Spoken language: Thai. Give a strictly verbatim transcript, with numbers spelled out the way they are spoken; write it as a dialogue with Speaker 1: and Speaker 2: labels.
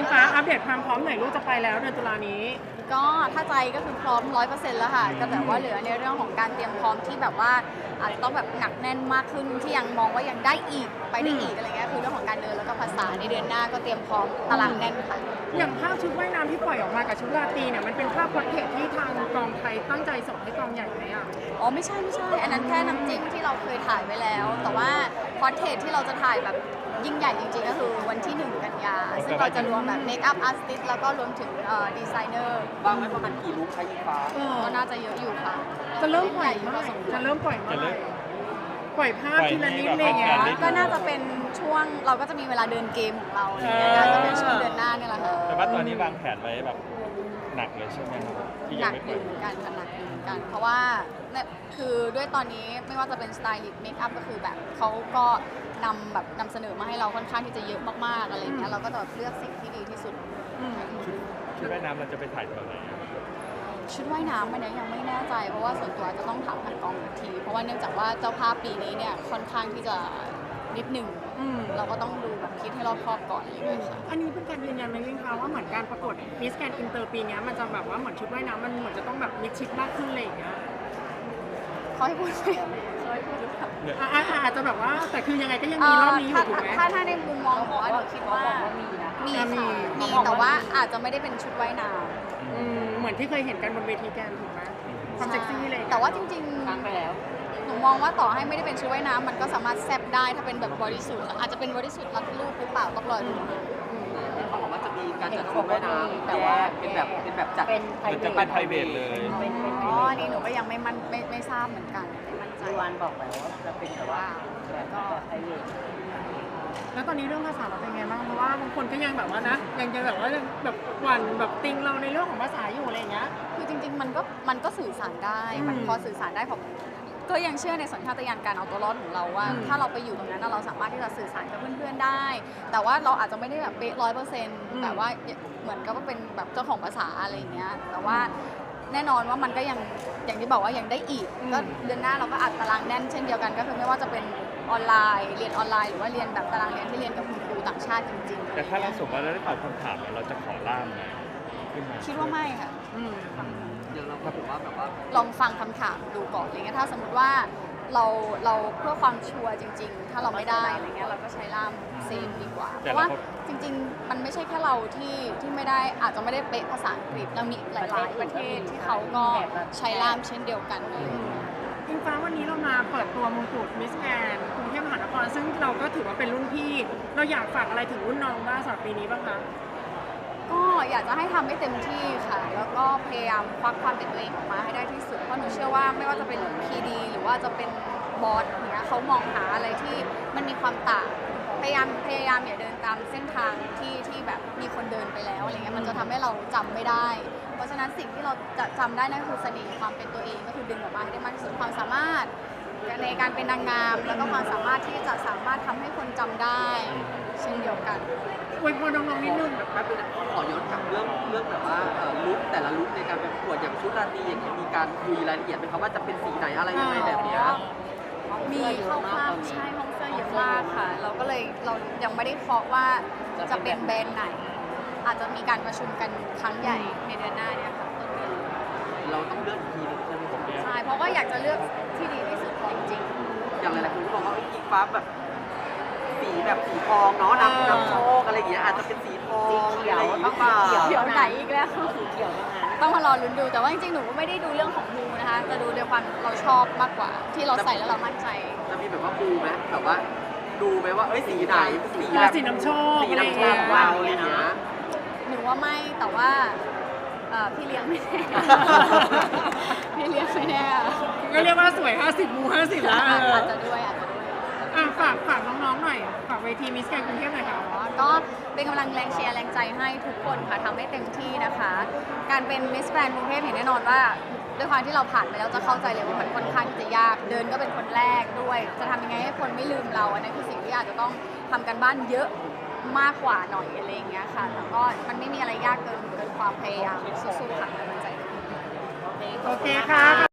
Speaker 1: งฟ้าอัปเดตความพร้อมหน่อยลูกจะไปแล้วเดือนตุลานี้
Speaker 2: ก็ถ้าใจก็คือพร้อมร้อยเปอร์เซ็นต์แล้วค่ะก็แบบว่าเหลือในเรื่องของการเตรียมพร้อมที่แบบว่าอาจจะต้องแบบหนักแน่นมากขึ้นที่ยังมองว่ายังได้อีกไปได้อีกอะไรเงี้ยคือเรื่องของการเดินแล้วก็ภาษาในเดือนหน้าก็เตรียมพร้อมตารางแน่นค่ะ
Speaker 1: อย่างภาพชุดว่ายน้ำที่ปล่อยออกมากับชุดราตรีเนี่ยมันเป็นภาพพอร์เทรตที่ทางกองไทยตั้งใจส่งให้กองใหญ่ไหมอ่ะ
Speaker 2: อ๋อไม่ใช่ไม่ใช่อันนั้นแค่น้ำจิ้มที่เราเคยถ่ายไว้แล้ว แต่ว่าพอร์เทรตที่เราจะถ่ายแบบยิ่งใหญ่จริงๆก็คือวันที่หนึ่งกันยาซึ่งเราจะรวมแบบเมคอัพอาร์ติสต์แล้วก็รวมถึงดีไซเนอร์
Speaker 3: บางไม่ประมาณกี่ลุคใช้ยิงฟ้า
Speaker 2: ก็น่าจะเยอะอยู่ค่ะ
Speaker 1: จะเริ่มปล่อยเมื่อไหร่จะเริ่มปล่อยเมื่อไหร่ปล่อยภาพทีละนิดเลยอ่ะ
Speaker 2: ก็น่าจะเป็นช่วงเราก็จะมีเวลาเดินเกมของเราอะไรเงี้ยน่าจะเป็นช่วงเดือนหน้านี่แหละค่ะ
Speaker 4: แต่ว่าตอนนี้วางแผนไว้แบบหนักเลยใช่ไหมครับที่
Speaker 2: หนั
Speaker 4: ยัง
Speaker 2: ก
Speaker 4: ไม่
Speaker 2: อ
Speaker 4: ปล่อย
Speaker 2: ยู่เหมือนกันค่ะหนักอยู่เหมือนกัน เพราะว่าเนี่ยคือด้วยตอนนี้ไม่ว่าจะเป็นสไตลิสต์เมคอัพก็คือแบบเขาก็นำแบบนำเสนอมาให้เราค่อนข้างที่จะเยอะมากๆอะไรเงี้ยเราก็จะแบบเลือกสิ่งที่ดีที่สุด
Speaker 4: ชุดว่ายน้ำเราจะไปถ่ายตอนไหน
Speaker 2: ชุดว่ายน้ำมันเนี่ยยังไม่แน่ใจเพราะว่าส่วนตัวจะต้องถามทางกองอีกทีเพราะว่าเนื่องจากว่าเจ้าภาพปีนี้เนี่ยค่อนข้างที่จะนิดหนึ่งเราก็ต้องดูแบบคิดให้รอบคอบก่อนอะไรอย่างเงี้ยค่ะ
Speaker 1: อันนี้เป็นการยืนยันไหมวิ่งคะว่าเหมือนการประกวดมิสแกรนด์อินเตอร์ปีนี้มันจะแบบว่าเหมือนชุดว่ายน้ำมันเหมือนจะต้องแบบมิดชิดมากขึ้นอะไรอย่างเงี้ย
Speaker 2: เขาให้พูดไหมเขาให้พูดหรือเปล่า
Speaker 1: อาจจะแบบว่าแต่คือยังไงก็ยังมีรอบนี้อยู่ถูกไหม
Speaker 2: ถ้าถ้าในมุมมองของว่าหนูคิดว่ามีมีค่ะมีแต่ว่าอาจจะไม่ได้เป็นชุดว่ายน้
Speaker 1: ำเหมือนที่เคยเห็นกันบนเวทีแกนถูกไหมความเซ็กซี่เลย
Speaker 2: แต่ว่าจริงๆฟังไปแล้วหนูมองว่าต่อให้ไม่ได้เป็นชุดว่ายน้ำมันก็สามารถแซบได้ถ้าเป็นแบบบริสุทธิ์อาจจะเป็นบริสุทธิ์รัดรูปหรือเปล่าต้องรอดู
Speaker 3: เขาบอกว่าจะมีการจัดชุดว่ายน้ำแต่ว่าเป็นแบบเป็นแบบจัด
Speaker 4: เป็นจะเป็นไพรเวทเลย
Speaker 2: อ๋อนี่หนูก็ยังไม่มั่นไม่ไม่ทราบเหมือนกันไม่มั่นใจ
Speaker 3: วันบอกแล้วว่าจะเป็นแต่ว่าแล้วก็ไพรเวท
Speaker 1: แล้วตอนนี้เรื่องภาษาเราเป็นไงบ้างเพราะว่าบางคนก็ยังแบบว่านะยังจะแบบว่าแบบหวั่นแบบติงเราในเรื่องของภาษาอยู่อะไรอย่างเงี้ย
Speaker 2: คือจริงๆมันก็มันก็สื่อสารได้มันพอสื่อสารได้ผมก็ยังเชื่อในสัญชาตญาณการเอาตัวรอดของเราว่าถ้าเราไปอยู่ตรงนั้นเราสามารถที่จะสื่อสารกับเพื่อนๆได้ แต่ว่าเราอาจจะไม่ได้แบบเป๊ะร้อยเปอร์เซ็นต์แบบว่าเหมือนกับว่าเป็นแบบเจ้าของภาษาอะไรอย่างเงี้ยแต่ว่าแน่นอนว่ามันก็ยังอย่างที่บอกว่ายังได้อีกก็เดือนหน้าเราก็อัดตารางแน่นเช่นเดียวกันก็คือไม่ว่าจะเป็นออนไลน์เรียนออนไลน์หรือว่าเรียนแบบตารางเรียนที่เรียนกับคุณครูต่างชาติจริงๆ
Speaker 4: แต่ถ้าเราสมมติเราได้ตอบคำถามเราจะขอล่ามไหม
Speaker 2: คิดว่าไม่ค่ะ
Speaker 3: เดี๋ยวเราผมว่าแบบว่า
Speaker 2: ลองฟังคำถามดูก่อนอะไรเงี้ยถ้าสมมติว่าเราเราเพื่อความชัวร์จริงๆถ้าเราไม่ได้อะไรเงี้ยเราก็ใช้ล่ามเซฟดีกว่าเพราะว่าจริงๆมันไม่ใช่แค่เราที่ที่ไม่ได้อาจจะไม่ได้เป๊ะภาษาอังกฤษเรามีหลายๆประเทศที่เขาก็ใช้ล่ามเช่นเดียวกันเลย
Speaker 1: อิงฟ้าวันนี้เรามาเปิดตัวมงกุฎมิสแกรนด์กรุงเทพมหานครซึ่งเราก็ถือว่าเป็นรุ่นพี่เราอยากฝากอะไรถึงรุ่นน้องบ้างสำหรับปีนี้บ้างคะ
Speaker 2: ก็อยากจะให้ทำให้เต็มที่ค่ะแล้วก็พยายามควักความเป็นตัวเองออกมาให้ได้ที่สุดเพราะหนูเชื่อว่าไม่ว่าจะเป็นพีดีหรือว่าจะเป็นบอสเนี้ยเขามองหาอะไรที่มันมีความต่างพยายามพยายามอย่าเดินตามเส้นทางที่ที่แบบมีคนเดินไปแล้วอะไรเงี้ยมันจะทำให้เราจำไม่ได้เพราะฉะนั้นสิ่งที่เราจะจำได้นั่นคือเสน่ห์ความเป็นตัวเองก็คือดึงออกมาให้ได้มากที่สุดความสามารถในการเป็นนางงามแล้วก็ความสามารถที่จะสามารถทำให้คนจำได้เช่นเดียวกัน
Speaker 1: อวยพรน้องๆนิดนึง
Speaker 3: แบบแป๊บนึงขอย้อนกลับเรื่องเรื่องแบบว่าลุคแต่ละลุคในการประกวดอย่างชุดราตรีอย่างเงี้ยมีการคุยรายละเอียดไหมครับว่าจะเป็นสีไหนอะไรยังไงแบบเนี้ย
Speaker 2: มีเข้าภาพใช่ห้องเสื้อเยอะมากค่ะเราก็เลยเรายังไม่ได้เคาะว่าจะเป็นแบรนด์ไหนอาจจะมีการประชุมกันครั้งใหญ่ในเดือนหน้าเนี่ยค่ะต้นเดือน
Speaker 3: เราต้องเลือกทีนึงใช่ไหมผม
Speaker 2: ใช่เพราะว่าอยากจะเลือกที่ดีที่สุดจริง
Speaker 3: ๆอย่างหลายๆคนก็บอกว่าอิงฟ้าแบบสีแบบสีทองเนาะนำนำโชคอะไรอย่างเงี้ยอาจจะเป็นสีทอง
Speaker 2: เขียว
Speaker 3: ต้องมา
Speaker 2: เขียวไหนอีกแล้วสีเขียวต้องมารอลุ้นดูแต่ว่าจริงๆหนูก็ไม่ได้ดูเรื่องของมูนะคะจะดูด้วยความเราชอบมากกว่าที่เราใส่แล้วเรามั่นใจ
Speaker 3: จะมีแบบว่าดูไหมแบบว่าดูไหมว่าเอ้ยสีไหน
Speaker 1: สีแบบสีน้ำโชค
Speaker 3: สีน้ำโชคเราอะไรเงี้ย
Speaker 2: หนูว่าไม่แต่ว่าพี่เลี้ยงไม่แน่พี่เลี้ยงไม่แน่
Speaker 1: ก็เรียกว่าสวยห้าสิบมูห้าสิบแล้ว
Speaker 2: อาจจะด้วยอาจจะด้วย
Speaker 1: ฝากฝากน้องๆหน่อยฝากเวทีมิสแกรนด์กรุงเทพหน่อยค่ะ
Speaker 2: ก็เป็นกำลังแรงเชียร์แรงใจให้ทุกคนค่ะทำให้เต็มที่นะคะการเป็นมิสแกรนด์กรุงเทพเห็นแน่นอนว่าด้วยความที่เราผ่านไปแล้วจะเข้าใจเลยว่ามันค่อนข้างจะยากเดินก็เป็นคนแรกด้วยจะทำยังไงให้คนไม่ลืมเราอันนั้นคือสิ่งที่อาจจะต้องทำกันบ้านเยอะมากกว่าหน่อยอะไรอย่างเงี้ยค่ะแต่ก็มันไม่มีอะไรยากเกินเกินความพยายามสู้ๆค่ะกำลังใจ
Speaker 1: โอเคค่ะ